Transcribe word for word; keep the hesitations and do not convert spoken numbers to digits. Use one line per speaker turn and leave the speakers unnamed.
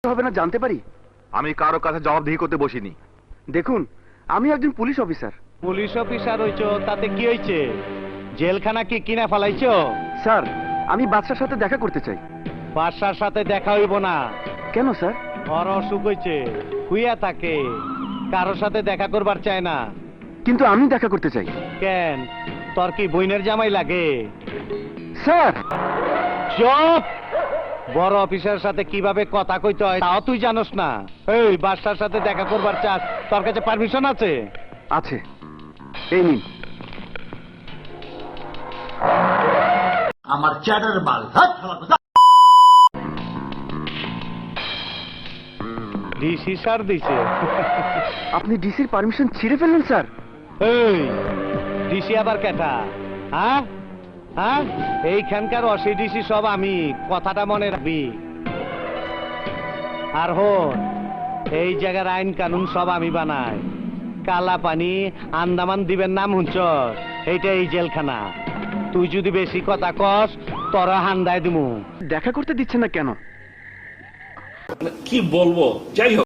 হবে না জানতে পারি?
আমি কারো কাছে জবাবদিহি করতে বসিনি।
দেখুন, আমি একজন পুলিশ অফিসার।
পুলিশ অফিসার হইছো তাতে কি হয়েছে? জেলখানা কি কিনা ফেলাইছো?
স্যার, আমি বাদশার সাথে দেখা করতে চাই।
বাদশার সাথে দেখা হইব না।
কেন স্যার?
ওর অসুখ হয়েছে, শুইয়া থাকে, কারোর সাথে দেখা করবার চায় না।
কিন্তু আমি দেখা করতে চাই।
কেন, তোর কি বইনের জামাই লাগে?
স্যার!
চুপ! বড় অফিসারের সাথে কিভাবে কথা কইতে হয় তাও তুই জানোস না? এই বাদশার সাথে দেখা করবার চাস, তোর কাছে পারমিশন আছে?
আছে, এই নিন।
আমার চ্যাটার মাল হাত খারাপ কথা।
ডিসি স্যার দিছে।
আপনি ডিসির পারমিশন ছিঁড়ে ফেললেন স্যার?
এই ডিসি আবার কেটা? হ্যাঁ হ্যাঁ, এইখানকার অসি ডিসি সব আমি, কথাটা মনে রাখবি। আর হন, এই জায়গার আইন কানুন সব আমি বানাই। কালা পানি আন্দামান দিবেন নাম হুঞ্চ, এইটা এই জেলখানা। তুই যদি বেশি কথা কস তোরা হান্দায় দিমু।
দেখা করতে দিচ্ছেন না কেন?
কি বলবো, যাই হোক।